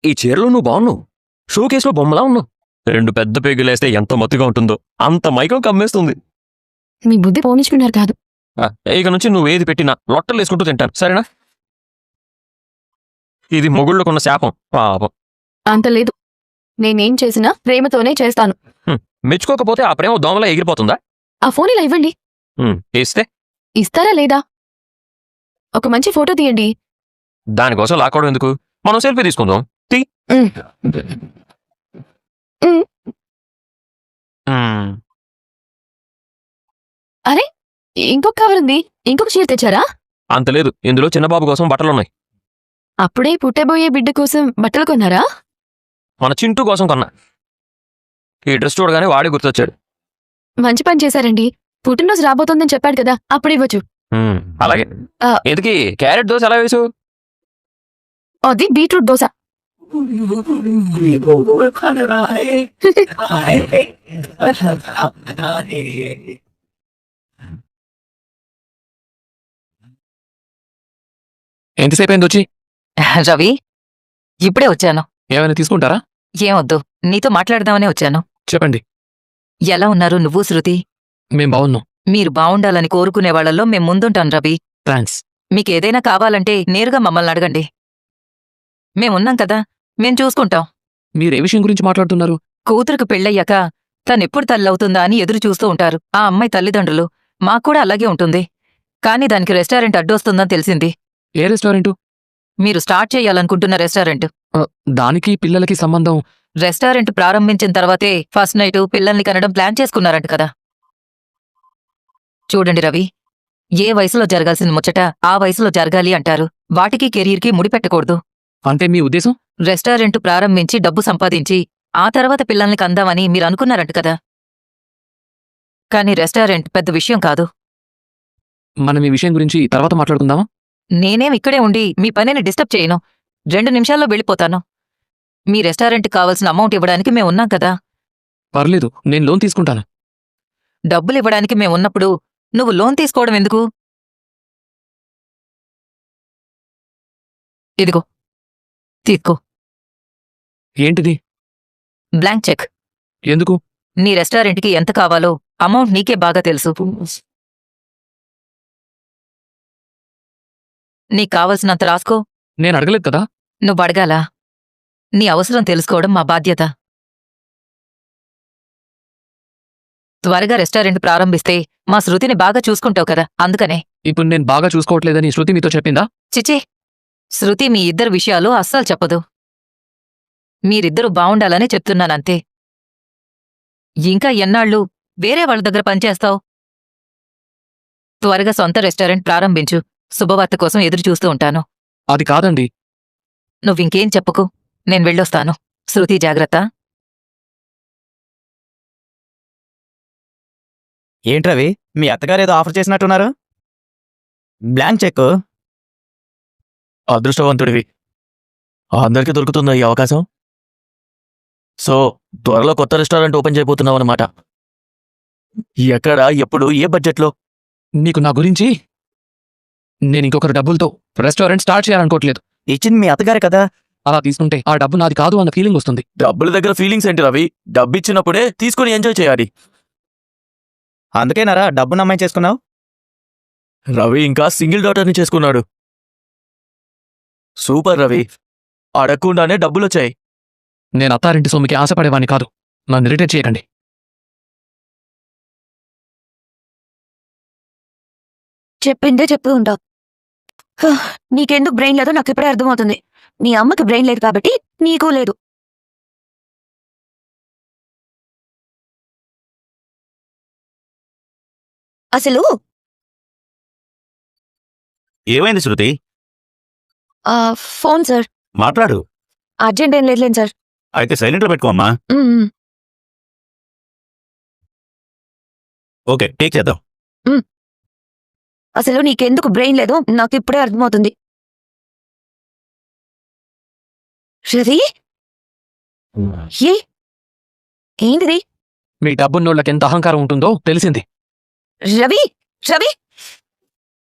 ఈ చీరలో నువ్వు బాగున్నావు. షో కేసులో బొమ్మలా ఉన్నావు. 2 పెద్ద పేగులేస్తే ఎంత మత్తుగా ఉంటుందో అంత మైకం కమ్మేస్తుంది. మీ బుద్ధి పోనించుకున్నారు కాదు. ఇక నుంచి నువ్వు ఏది పెట్టినా లొట్టలు వేసుకుంటూ తింటాను, సరేనా? ఇది మొగుళ్ళకున్న శాపం, పాపం. అంత లేదు. నేనేం చేసినా ప్రేమతోనే చేస్తాను. మెచ్చుకోకపోతే ఆ ప్రేమ దోమలా ఎగిరిపోతుందా? ఆ ఫోన్ ఇలా ఇవ్వండి. ఇస్తే ఇస్తారా లేదా? ఒక మంచి ఫోటో తీయండి. దానికోసం లాక్కోవడం ఎందుకు? మనం సెల్ఫీ తీసుకుందాం. అరే, ఇంకొక కవర్ ఉంది. ఇంకొక చీర తెచ్చారా? అంత లేదు, ఇందులో చిన్నబాబు కోసం బట్టలున్నాయి. అప్పుడే పుట్టబోయే బిడ్డ కోసం బట్టలు కొన్నారా? మన చింటూ కోసం కొన్నా. ఈ డ్రెస్ చూడగానే వాడే గుర్తొచ్చాడు. మంచి పని చేశారండి. పుట్టినరోజు రాబోతోందని చెప్పాడు కదా, అప్పుడు ఇవ్వచ్చు. అలాగే. ఎందుకీ క్యారెట్ దోశ ఎలా వేసు? అది బీట్రూట్ దోశ. ఎంతసేపు అయింది వచ్చి? రవి, ఇప్పుడే వచ్చాను. ఏమైనా తీసుకుంటారా? ఏమొద్దు, నీతో మాట్లాడదామనే వచ్చాను. చెప్పండి. ఎలా ఉన్నారు నువ్వు, శృతి? మేం బాగున్నాం. మీరు బావుండాలని కోరుకునే వాళ్లలో మేం ముందుంటాం రవి. థ్యాంక్స్. మీకేదైనా కావాలంటే నేరుగా మమ్మల్ని అడగండి. మేమున్నాం కదా, మేం చూసుకుంటాం. మీరే విషయం గురించి మాట్లాడుతున్నారు? కూతురుకు పెళ్ళయ్యాక తనెప్పుడు తల్లవుతుందా అని ఎదురు చూస్తూ ఉంటారు ఆ అమ్మాయి తల్లిదండ్రులు. మాక్కూడా అలాగే ఉంటుంది. కాని దానికి రెస్టారెంట్ అడ్డొస్తుందని తెలిసింది. ఏ రెస్టారెంటు? మీరు స్టార్ట్ చేయాలనుకుంటున్న రెస్టారెంట్. దానికి పిల్లలకి సంబంధం? రెస్టారెంట్ ప్రారంభించిన తర్వాతే ఫస్ట్ నైటు పిల్లల్ని కనడం ప్లాన్ చేసుకున్నారంట కదా. చూడండి రవి, ఏ వయసులో జరగాల్సిన ముచ్చట ఆ వయసులో జరగాలి అంటారు. వాటికి కెరీర్కి ముడిపెట్టకూడదు. అంటే మీ ఉద్దేశం? రెస్టారెంట్ ప్రారంభించి డబ్బు సంపాదించి ఆ తర్వాత పిల్లల్ని కందామని మీరనుకున్నారంట కదా. కాని రెస్టారెంట్ పెద్ద విషయం కాదు. మనం ఈ విషయం గురించి తర్వాత మాట్లాడుకుందామా? నేనేం ఇక్కడే ఉండి మీ పనిని డిస్టర్బ్ చేయను. 2 నిమిషాల్లో వెళ్ళిపోతాను. మీ రెస్టారెంట్కి కావాల్సిన అమౌంట్ ఇవ్వడానికి మేమున్నాం కదా. పర్లేదు, నేను లోన్ తీసుకుంటాను. డబ్బులివ్వడానికి మేమున్నప్పుడు నువ్వు లోన్ తీసుకోవడం ఎందుకు? ఇదిగో తీసుకో. ఏంటిది? Blank cheque. ఎందుకు? నీ రెస్టారెంట్కి ఎంత కావాలో అమౌంట్ నీకే బాగా తెలుసు. నీకు కావలసినంత రాసుకో. నేను అడగలేదు కదా. నువ్వు అడగాలా? నీ అవసరం తెలుసుకోవడం మా బాధ్యత. త్వరగా రెస్టారెంట్ ప్రారంభిస్తే మా శృతిని బాగా చూసుకుంటావు కదా, అందుకనే. ఇప్పుడు నేను బాగా చూసుకోవట్లేదని శృతి మీతో చెప్పిందా? చిచే, శృతి మీ ఇద్దరు విషయాలు అస్సలు చెప్పదు. మీరిద్దరూ బావుండాలనే చెప్తున్నానంతే. ఇంకా ఎన్నాళ్ళు వేరే వాళ్ళ దగ్గర పనిచేస్తావు? త్వరగా సొంత రెస్టారెంట్ ప్రారంభించు. శుభవార్త కోసం ఎదురు చూస్తూ ఉంటాను. అది కాదండి. నువ్వింకేం చెప్పకు, నేను వెళ్ళొస్తాను. శృతి, జాగ్రత్త. ఏంట్రవి, మీ అత్తగారేదో ఆఫర్ చేసినట్టున్నారు? Blank cheque. అదృష్టవంతుడివి. అందరికీ దొరుకుతుందా ఈ అవకాశం? సో త్వరలో కొత్త రెస్టారెంట్ ఓపెన్ చేయబోతున్నావు అనమాట. ఎక్కడ, ఎప్పుడు, ఏ బడ్జెట్లో? నీకు నా గురించి? నేను ఇంకొకరి డబ్బులతో రెస్టారెంట్ స్టార్ట్ చేయాలనుకోవట్లేదు. ఇచ్చింది మీ అత్తగారే కదా. అలా తీసుకుంటే ఆ డబ్బు నాది కాదు అన్న ఫీలింగ్ వస్తుంది. డబ్బుల దగ్గర ఫీలింగ్స్ ఏంటి రవి? డబ్బు ఇచ్చినప్పుడే తీసుకుని ఎంజాయ్ చేయాలి. అందుకేనారా డబ్బు నమ్మాయి చేసుకున్నావు? రవి ఇంకా సింగిల్ డాటర్ని చేసుకున్నాడు. సూపర్ రవి, అడగకుండానే డబ్బులొచ్చాయి. నేను అత్తారింటి సొమ్ముకి ఆశపడేవాణ్ణి కాదు. నన్ను ఇరిటేట్ చేయకండి. చెప్పిందే చెప్తూ ఉంటావు. నీకెందుకు బ్రెయిన్ లేదో నాకు ఇప్పుడే అర్థమవుతుంది. నీ అమ్మకి బ్రెయిన్ లేదు కాబట్టి నీకు లేదు. అసలు ఏమైంది శృతి? Phone sir. మాట్లాడు. అర్జెంట్ ఏం లేదులేండి సార్. అయితే సైలెంట్లో పెట్టుకోమ్మా. ఓకే, టేక్ చేద్దాం. అసలు నీకెందుకు బ్రెయిన్ లేదో నాకు ఇప్పుడే అర్థమవుతుంది. రవి, ఏంటిది? మీ డబ్బున్నోళ్ళకి ఎంత అహంకారం ఉంటుందో తెలిసింది. రవి రవి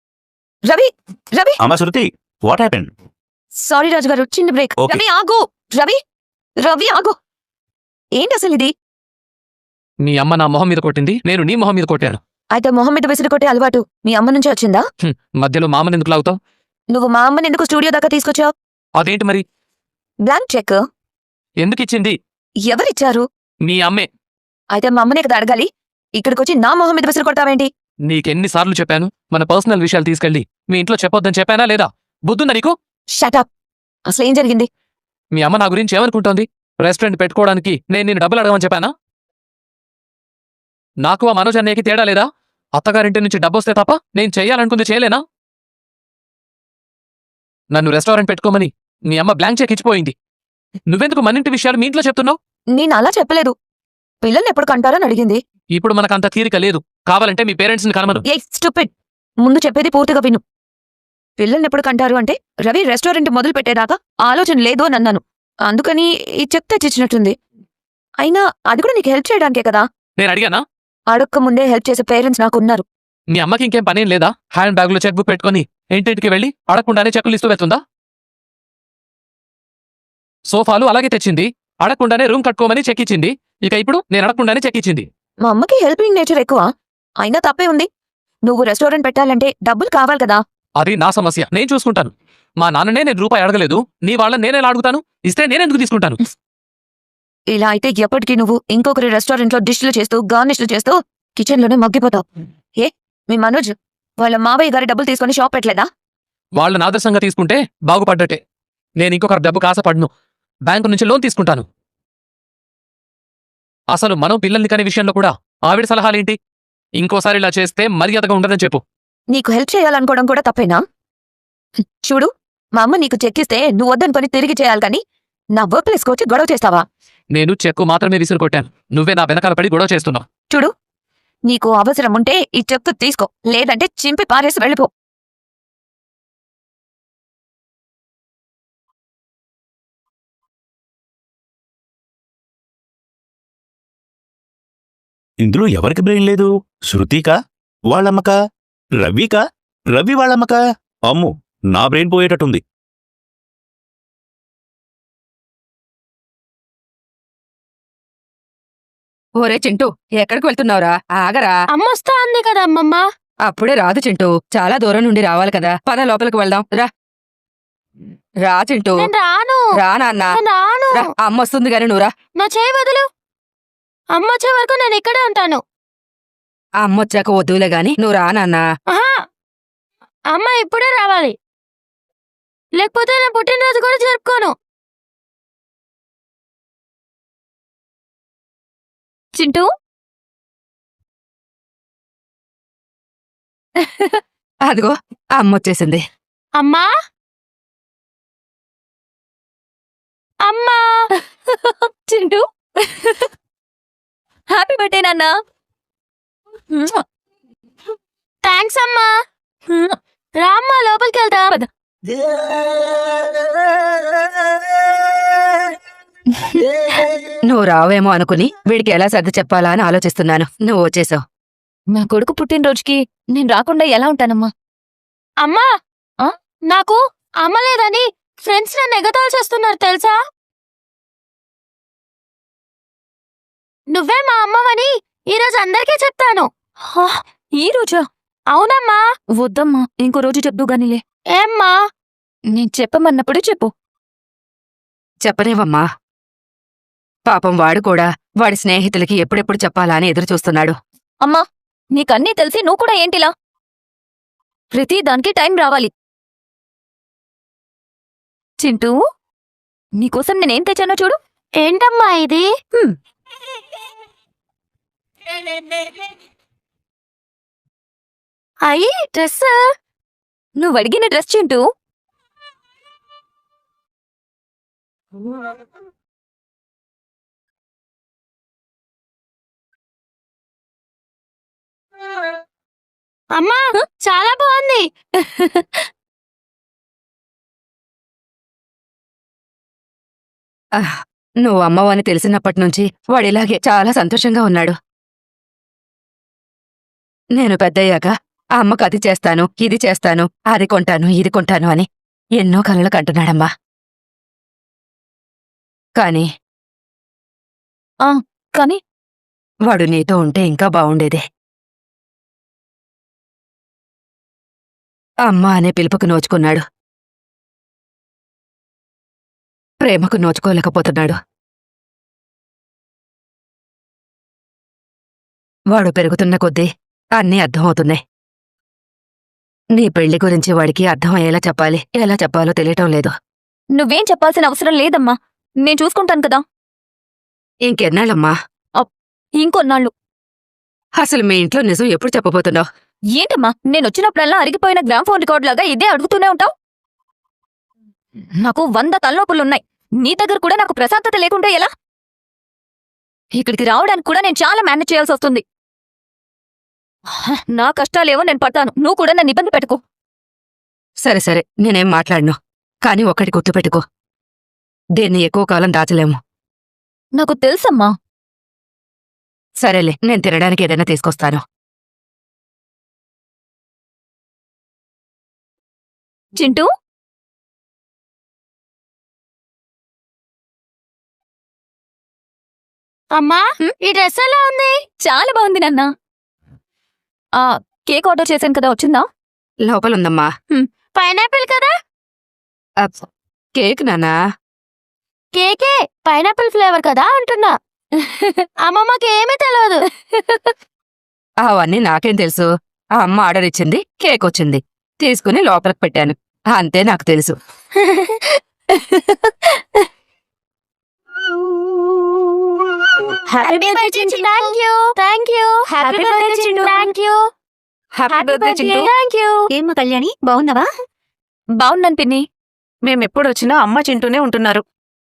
రవి రవి అమ్మా శృతి, వాట్ హ్యాపెండ్? సారీ రాజుగారు, చిన్న బ్రేక్. Okay. రవి ఆగు. రవి రవి ఆగు. ఏంటి అసలు ఇది? మీ అమ్మ నా మొహం మీద కొట్టింది, నేను నీ మొహం మీద కొట్టాను. అయితే మొహం మీద విసిరి కొట్టే అలవాటు మీ అమ్మ నుంచి వచ్చిందా? మధ్యలో మామని ఎందుకు లాగుతావు? నువ్వు మా అమ్మని ఎందుకు స్టూడియో దాకా తీసుకొచ్చావు? అదేంటి మరి? బ్లాంక్ చెక్ ఎందుకు ఇచ్చింది? ఎవరిచ్చారు? మీ అమ్మే. అయితే మా అమ్మనే కదా అడగాలి. ఇక్కడికొచ్చి నా మొహం మీద విసిరి కొడతావేంటి? నీకెన్నిసార్లు చెప్పాను మన పర్సనల్ విషయాలు తీసుకెళ్ళి మీ ఇంట్లో చెప్పొద్దని చెప్పానా లేదా? బుద్ధుందా నీకు? షటప్. అసలు ఏం జరిగింది? మీ అమ్మ నా గురించి ఏమనుకుంటోంది? రెస్టారెంట్ పెట్టుకోవడానికి నేను నిన్ను డబ్బులు అడగమని చెప్పానా? నాకు ఆ మనోజ్ అన్నయ్యకి తేడా లేదా? అత్తగారింటి నుంచి డబ్బొస్తే తప్ప నేను చెయ్యాలనుకుంది చేయలేనా? నన్ను రెస్టారెంట్ పెట్టుకోమని మీ అమ్మ బ్లాంక్ చెక్ ఇచ్చిపోయింది. నువ్వెందుకు మనింటి విషయాలు మీ ఇంట్లో చెప్తున్నావు? నేను అలా చెప్పలేదు. పిల్లల్ని ఎప్పుడు కంటారని అడిగింది. ఇప్పుడు మనకంత తీరిక లేదు. కావాలంటే మీ పేరెంట్స్ని కనమను. ఏ స్టూపిడ్. ముందు చెప్పేది పూర్తిగా విను. పిల్లల్ని ఎప్పుడు కంటారు అంటే రవి రెస్టారెంట్ మొదలు పెట్టేదాకా ఆలోచన లేదు అని అన్నాను. అందుకని ఈ చెక్ తెచ్చిచ్చినట్టుంది. అయినా అది కూడా నీకు హెల్ప్ చేయడానికే కదా. నేను అడిగానా? అడక్క ముందే హెల్ప్ చేసే పేరెంట్స్ నాకున్నారు. మీ అమ్మకి ఇంకేం పనేం లేదా? హ్యాండ్ బ్యాగ్ లో చెక్ బుక్ పెట్టుకుని ఇంటింటికి వెళ్ళి అడగకుండానే చెక్కులు ఇస్తూ వెళ్తుందా? సోఫాలు అలాగే తెచ్చింది, అడగకుండానే రూమ్ కట్టుకోమని చెక్ ఇచ్చింది. ఇక ఇప్పుడు నేను అడగకుండానే చెక్ ఇచ్చింది. మా అమ్మకి హెల్పింగ్ నేచర్ ఎక్కువ. అయినా తప్పే ఉంది. నువ్వు రెస్టారెంట్ పెట్టాలంటే డబ్బులు కావాలి కదా. అది నా సమస్య, నేను చూసుకుంటాను. మా నాన్ననే నేను రూపాయి అడగలేదు, నీ వాళ్ళని నేనేలా అడుగుతాను? ఇస్తే నేనెందుకు తీసుకుంటాను? ఇలా అయితే ఎప్పటికీ నువ్వు ఇంకొకరి రెస్టారెంట్లో డిష్లు చేస్తూ గార్నిష్లు చేస్తూ కిచెన్లోనే మగ్గిపోతావు. ఏ మీ మనోజ్ వాళ్ళ మావయ్య గారి డబ్బులు తీసుకుని షాప్ పెట్టలేదా? వాళ్ళని ఆదర్శంగా తీసుకుంటే బాగుపడ్డట్టే. నేను ఇంకొకరి డబ్బు కాసపడను. బ్యాంకు నుంచి లోన్ తీసుకుంటాను. అసలు మనం పిల్లల్ని కాని విషయంలో కూడా ఆవిడ సలహాలేంటి? ఇంకోసారి ఇలా చేస్తే మర్యాదగా ఉండదని చెప్పు. నీకు హెల్ప్ చేయాలనుకోవడం కూడా తప్పేనా? చూడు, మా అమ్మ నీకు చెక్కిస్తే నువ్వు వద్దనుకొని తిరిగి చేయాలి కానీ నా వర్క్ ప్లేస్కి వచ్చి గొడవ చేస్తావా? నేను చెక్కు మాత్రమే విసిరి కొట్టాను. నువ్వే నా వెనకాల పడి గొడవ చేస్తున్నావు. చూడు, నీకు అవసరం ఉంటే ఈ చెక్కు తీసుకో, లేదంటే చింపి పారేసి వెళ్ళిపో. ఇందులో ఎవరికి బ్రెయిన్ లేదు? శృతికా? వాళ్ళమ్మకా? రవికా? రవి వాళ్ళమ్మకా? అమ్ము, నా బ్రెయిన్ పోయేటట్టుంది. ఓరే చింటూ, ఎక్కడికి వెళ్తున్నావురా? ఆగరా. అమ్మొస్తా అంది కదా అమ్మమ్మ. అప్పుడే రాదు చింటూ, చాలా దూరం నుండి రావాలి కదా. పద లోపలికి వెళ్దాం. రా రా చింటూ. నేను రాను. రా నాన్న. నేను రాను. రా, అమ్మ వస్తుంది గాని నువ్వు రా. నా చేయి వదులు. అమ్మ వచ్చే వరకు నేను ఇక్కడే ఉంటాను. అమ్మ వచ్చాక వద్దులే గాని నువ్వు రా నాన్న. ఆహా, అమ్మ ఇప్పుడే రావాలి, లేకపోతే నా పుట్టినరోజు కూడా జరుపుకోను. చింటూ, అదిగో అమ్మ వచ్చేసింది. అమ్మా అమ్మా. చింటూ, హ్యాపీ బర్త్డే నాన్న. థ్యాంక్స్ అమ్మా. రామ్మా లోపలికి వెళ్దాం. నువ్వు రావేమో అనుకుని వీడికి ఎలా సర్ది చెప్పాలా అని ఆలోచిస్తున్నాను. నువ్వు వచ్చేసావు. నా కొడుకు పుట్టినరోజుకి నేను రాకుండా ఎలా ఉంటానమ్మా? అమ్మా, నాకు అమ్మ లేదని ఫ్రెండ్స్ నన్ను ఎగతాళి చేస్తున్నారు తెలుసా? నువ్వే మా అమ్మవని ఈరోజు అందరికీ చెప్తాను. ఈ రోజా? అవునమ్మా. వద్దమ్మా, ఇంకో రోజు చెప్దు గానిలే. ఏమ్మా? నేను చెప్పమన్నప్పుడు చెప్పు. చెప్పనేవమ్మా. పాపం వాడు కూడా వాడి స్నేహితులకి ఎప్పుడెప్పుడు చెప్పాలా అని ఎదురు చూస్తున్నాడు. అమ్మా, నీకన్నీ తెలిసి నువ్వు కూడా ఏంటిలా? ప్రతి దానికి టైం రావాలి. చింటూ, నీకోసం నేనేం తెచ్చానో చూడు. ఏంటమ్మా ఇది? అయ్యి డ్రెస్. నువ్వు అడిగిన డ్రెస్ చింటూ. అమ్మా, చాలా బాగుంది. నువ్వు అమ్మవని తెలిసినప్పటి నుంచి వాడిలాగే చాలా సంతోషంగా ఉన్నాడు. నేను పెద్దయ్యాక ఆ అమ్మకు అది చేస్తాను, ఇది చేస్తాను, అది కొంటాను, ఇది కొంటాను అని ఎన్నో కలలు కంటున్నాడమ్మా. కానీ కానీ వాడు నీతో ఉంటే ఇంకా బావుండేదే. అమ్మ అనే పిలుపుకు నోచుకున్నాడు. ప్రేమకు నోచుకోలేకపోతున్నాడు. వాడు పెరుగుతున్న కొద్దీ అన్నీ అర్థమవుతున్నాయి. నీ పెళ్లి గురించి వాడికి అర్థమయ్యేలా చెప్పాలి. ఎలా చెప్పాలో తెలియటం లేదు. నువ్వేం చెప్పాల్సిన అవసరం లేదమ్మా, నేను చూసుకుంటాను కదా. ఇంకెన్నాళ్ళమ్మా? ఇంకొన్నాళ్ళు. అసలు మీ ఇంట్లో నిజం ఎప్పుడు చెప్పబోతున్నావు? ఏంటమ్మా, నేనొచ్చినప్పుడల్లా అరిగిపోయిన గ్రామ్ఫోన్ రికార్డ్ లాగా ఇదే అడుగుతూనే ఉంటావు? నాకు 100 తలనొప్పులున్నాయి. నీ దగ్గర కూడా నాకు ప్రశాంతత లేకుంటే ఎలా? ఇక్కడికి రావడానికి కూడా నేను చాలా మేనేజ్ చేయాల్సి వస్తుంది. నా కష్టాలేవో నేను పడతాను, నువ్వు కూడా నన్ను ఇబ్బంది పెట్టుకో. సరే సరే, నేనేం మాట్లాడను. కాని ఒక్కటి గుర్తుపెట్టుకో, దీన్ని ఎక్కువ కాలం దాచలేము. నాకు తెలుసమ్మా. సరేలే, నేను తినడానికి ఏదైనా తీసుకొస్తాను. చింటూ, అమ్మా, ఈ డ్రెస్ ఎలా ఉంది? చాలా బాగుంది నాన్న. కేక్ ఆర్డర్ చేశాను కదా, వచ్చిందా? లోపలుందమ్మా. పైనాపిల్ కదా? కేక్ నానా? కేకే, పైనాపిల్ ఫ్లేవర్ కదా అంటున్నా. అమ్మమ్మకి ఏమీ తెలియదు. అవన్నీ నాకేం తెలుసు. ఆ అమ్మ ఆర్డర్ ఇచ్చింది, కేక్ వచ్చింది, తీసుకుని లోపలికి పెట్టాను. అంతే నాకు తెలుసు. Happy birthday Chintu. Thank you. Happy birthday Chintu. Thank you. Happy birthday Chintu. Thank you. ఏమ్మా కళ్యాణి, బాగున్నావా? బాగున్నాను పిన్ని. మేమెప్పుడొచ్చినా అమ్మ చింటూనే ఉంటున్నారు.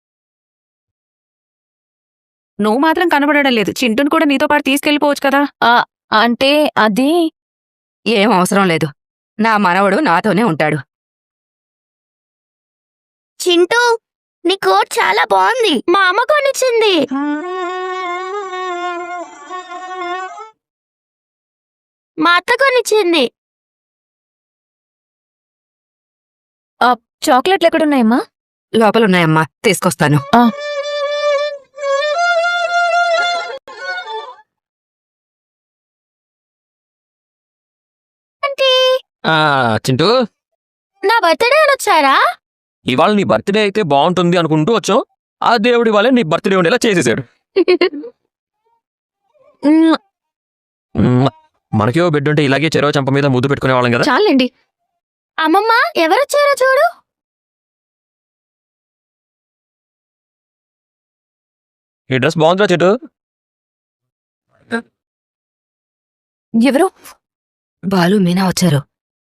నువ్వు మాత్రం కనబడడం లేదు. చింటూను కూడా నీతో పాటు తీసుకెళ్ళిపోవచ్చు కదా. అంటే అది ఏం అవసరం లేదు. నా మనవడు నాతోనే ఉంటాడు. చింటూ, నీ కోట్ చాలా బాగుంది. మా అమ్మ కొనిచ్చింది. మా అత్త కొనిచ్చింది. చాక్లెట్లు ఎక్కడున్నాయమ్మా? లోపలున్నాయమ్మా, తీసుకొస్తాను. చింటూ, నా బర్త్డే వచ్చారా? ఇవాళ నీ బర్త్డే అయితే బాగుంటుంది అనుకుంటూ వచ్చాం. ఆ దేవుడి వాళ్ళే నీ బర్త్డే ఉండేలా చేసేసాడు. మనకేవో బిడ్డ ఉంటే ఇలాగే చెరవ చంప మీద ముద్దు పెట్టుకునే వాళ్ళం కదా. చాలండి. అమ్మమ్మ, ఎవరొచ్చారో చూడు. ఈ డ్రెస్ బాగుందిరా చెట్టు. ఎవరు? బాలు, మీనా వచ్చారు.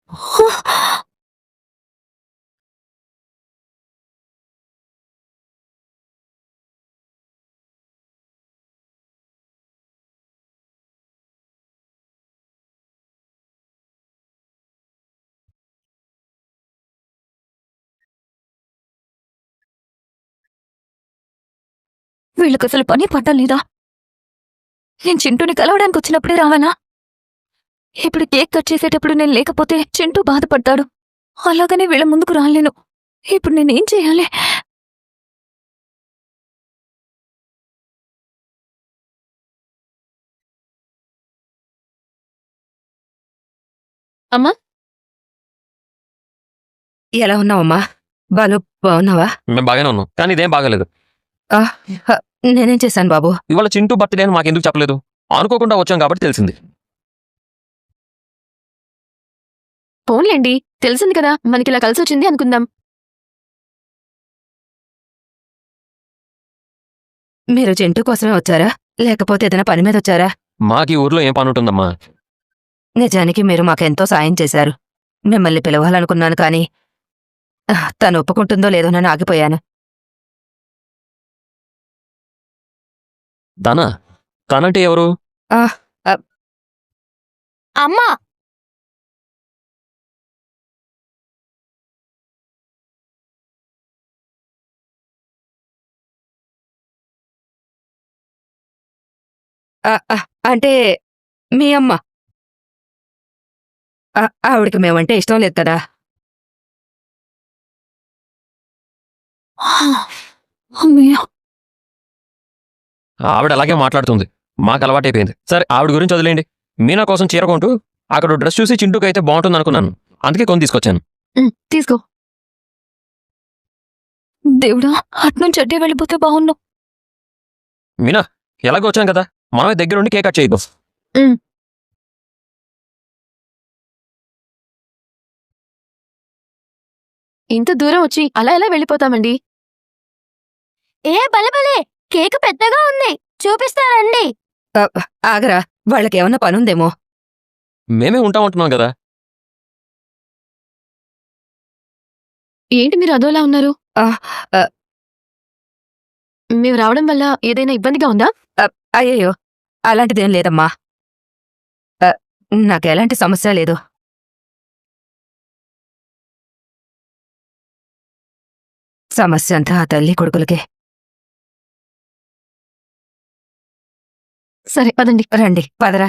వీళ్ళకి అసలు పని పట్టం లేదా? నేను చింటూని కలవడానికి వచ్చినప్పుడే రావాలా? ఇప్పుడు కేక్ కట్ చేసేటప్పుడు నేను లేకపోతే చింటూ బాధపడతాడు. అలాగనే వీళ్ళ ముందుకు రాలేను. ఇప్పుడు నేనేం చేయాలి? అమ్మా, ఎలా ఉన్నావమ్మా? బాలు, బాగున్నావా? మేము బాగానే ఉన్నాం, కానీ ఇదేం బాగాలేదు. నేనేం చేశాను బాబు? ఇవాళ చింటూ బర్త్డే అని మాకెందుకు చెప్పలేదు? అనుకోకుండా వచ్చాం కాబట్టి తెలిసింది. పోన్లేండి, తెలిసింది కదా, మనకిలా కలిసొచ్చింది అనుకుందాం. మీరు చింటూ కోసమే వచ్చారా, లేకపోతే ఏదైనా పని మీద వచ్చారా? మాకీ ఊర్లో ఏం పని ఉంటుందమ్మా? నిజానికి మీరు మాకెంతో సాయం చేశారు. మిమ్మల్ని పిలవాలనుకున్నాను, కానీ తను ఒప్పుకుంటుందో లేదోనని ఆగిపోయాను. తనంటే ఎవరు? అమ్మా, అంటే మీ అమ్మ. ఆవిడికి మేమంటే ఇష్టం లేదు కదా. అమ్మయ్య, ఆవిడ అలాగే మాట్లాడుతుంది. మాకు అలవాటైపోయింది. సరే ఆవిడ గురించి వదిలేండి. మీనా కోసం చీర కొంటూ అక్కడ డ్రెస్ చూసి చింటూకి అయితే బాగుంటుంది అనుకున్నాను. అందుకే కొని తీసుకొచ్చాను. తీసుకో. దేవుడా, అట్నుంచి అడ్డే వెళ్ళిపోతే బాగున్నావు. మీనా ఎలాగో వచ్చాం కదా, మనమే దగ్గరుండి కేక్ కట్ చేయదు. ఇంత దూరం వచ్చి అలా ఎలా వెళ్ళిపోతామండి? ఏ బలబలే కేక్ పెద్దగా ఉంది, చూపిస్తారండి. ఆగరా, వాళ్ళకేమన్నా పనుందేమో. మేమే ఉంటామంటున్నాం కదా. ఏంటి మీరు అదోలా ఉన్నారు? మేము రావడం వల్ల ఏదైనా ఇబ్బందిగా ఉందా? అయ్యయ్యో, అలాంటిదేం లేదమ్మా. నాకెలాంటి సమస్య లేదు. సమస్య అంతా ఆ తల్లి కొడుకులకే. సరే పదండి. రండి, పదరా.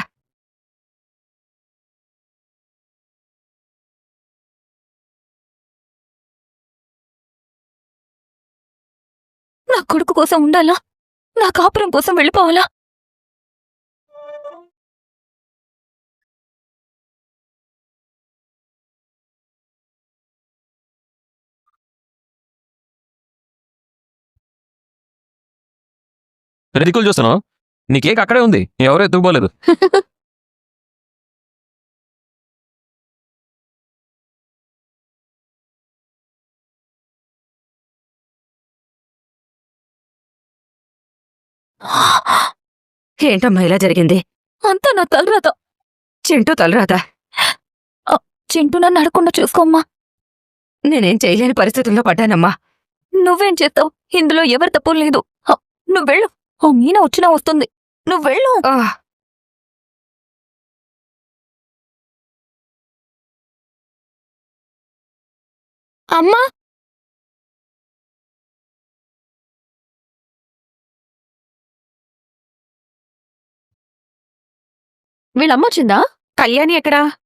నా కొడుకు కోసం ఉండాలా? నా కాపురం కోసం వెళ్ళిపోవాలా? దిక్కులు చూస్తున్నావు, నీ కేక్ అక్కడే ఉంది, ఎవరూ ఎత్తుకుపోలేదు. ఏంటమ్మా ఇలా జరిగింది? అంతా నా తలరాత. చింటూ తలరాత. చింటూ నన్ను అడగకుండా చూసుకోమ్మా. నేనేం చేయలేని పరిస్థితుల్లో పడ్డానమ్మా. నువ్వేం చేస్తావు? ఇందులో ఎవరి తప్పు లేదు. నువ్వు వెళ్ళు. ఓ మీనా వచ్చినా వస్తుంది. నువ్వు వెళ్ళు. అమ్మా, వీళ్ళమ్మ వచ్చిందా? కళ్యాణి ఎక్కడా?